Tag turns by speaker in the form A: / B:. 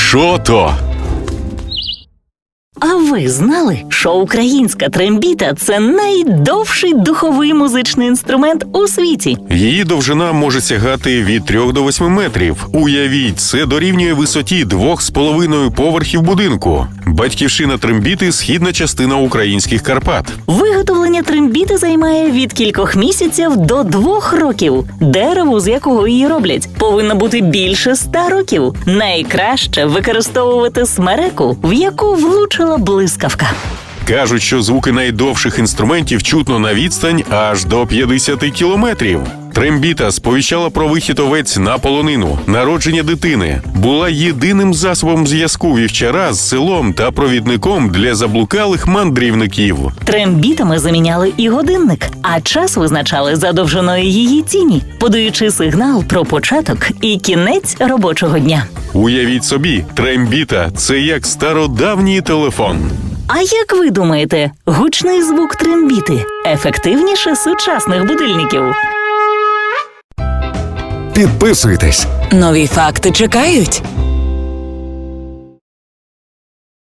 A: Що то?
B: А ви знали, що українська трембіта – це найдовший духовий музичний інструмент у світі?
A: Її довжина може сягати від 3 до 8 метрів. Уявіть, це дорівнює висоті 2,5 поверхів будинку. Батьківщина трембіти – східна частина українських Карпат.
B: Виготовлення трембіти займає від кількох місяців до 2 років. Дерево, з якого її роблять, повинно бути більше 100 років. Найкраще використовувати смереку, в яку влучила блискавка.
A: Кажуть, що звуки найдовших інструментів чутно на відстань аж до 50 кілометрів. Трембіта сповіщала про вихід овець на полонину, народження дитини. Була єдиним засобом зв'язку вівчара з селом та провідником для заблукалих мандрівників.
B: Трембітами заміняли і годинник, а час визначали за довжиною її тіні, подаючи сигнал про початок і кінець робочого дня.
A: Уявіть собі, трембіта – це як стародавній телефон.
B: А як ви думаєте, гучний звук трембіти ефективніше сучасних будильників?
C: Підписуйтесь.
D: Нові факти чекають.